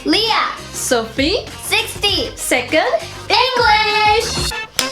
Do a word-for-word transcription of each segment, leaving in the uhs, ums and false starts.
Leah, Sophie, sixty, second English.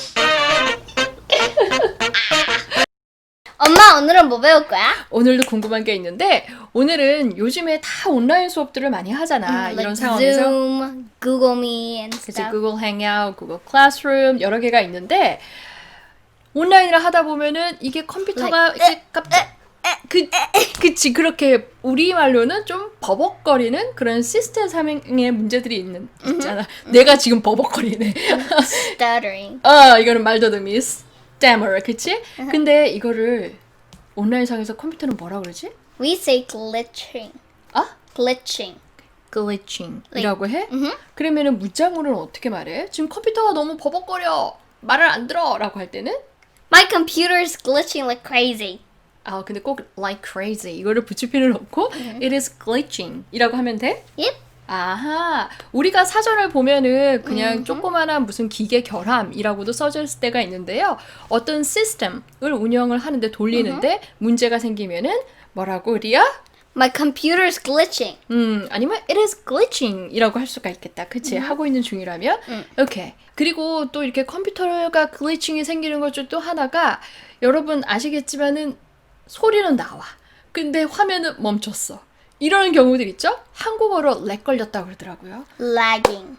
엄마, 오늘은 뭐 배울 거야? 오늘도 궁금한 게 있는데 오늘은 요즘에 다 온라인 수업들을 많이 하잖아. 음, 이런 like 상황에서 Zoom, Google Meet and 그치, stuff. 구글 행아웃, 구글 클래스룸 여러 개가 있는데 온라인을 하다 보면은 이게 컴퓨터가 Like, 이렇게 갑자기 그, 그치 그렇게 우리말로는 좀 버벅거리는 그런 시스템 상의 문제들이 있는 있잖아. 내가 지금 버벅거리네. Stuttering. 아 이거는 말더듬이 stammer 그치? 근데 이거를 온라인상에서 컴퓨터는 뭐라 그러지? We say glitching. 아? Glitching. glitching이라고 해? Mhm. 그러면은 문장으로는 어떻게 말해? 지금 컴퓨터가 너무 버벅거려 말을 안 들어라고 할 때는 My computer's glitching like crazy. 아 근데 꼭 like crazy 이거를 붙일 필요는 없고 it is glitching이라고 하면 돼? Yep. 아하 우리가 사전을 보면은 그냥 조그마한 무슨 기계 결함이라고도 써져 있을 때가 있는데요. 어떤 시스템을 운영을 하는데 돌리는데 문제가 생기면은 뭐라고 리아? My computer's glitching. 음, 아니면 it is glitching이라고 할 수가 있겠다. 그치? 하고 있는 중이라면. 오케이. 그리고 또 이렇게 컴퓨터가 글리칭이 생기는 것 중 또 하나가 여러분 아시겠지만은 소리는 나와. 근데 화면은 멈췄어. 이런 경우들 있죠? 한국어로 렉 걸렸다고 그러더라고요. Lagging.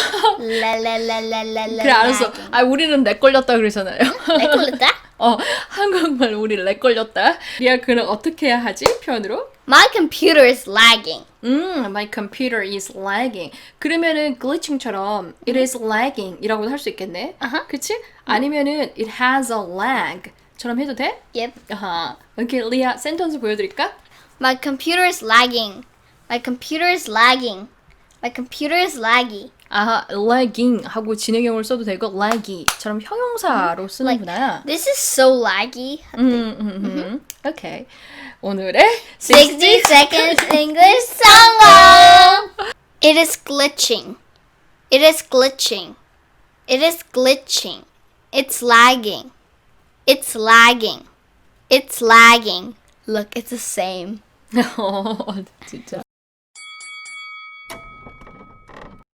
라라라라라라. 그래 알았어. 아 우리는 렉 걸렸다 그러잖아요. 렉 걸렸다? 어, 한국말 우리 렉 걸렸다. 리아 그는 어떻게 해야 하지? 표현으로? My computer is lagging. 음, my computer is lagging. 그러면은 glitching처럼 it is lagging이라고도 할 수 있겠네. 아하. 그치? 아니면은 it has a lag처럼 해도 돼? Yep. 아하. 오케이, 리아 센텐스 보여드릴까? My computer is lagging. My computer is lagging. My computer is laggy. 아하, lagging 하고 진행형을 써도 되고 laggy처럼 형용사로 쓰는구나. This is so laggy. 음, 음, 음. 오케이. 오늘의 sixty seconds English song. It is glitching. It is glitching. It is glitching. It's lagging. It's lagging. It's lagging. Look, it's the same. 어, 진짜.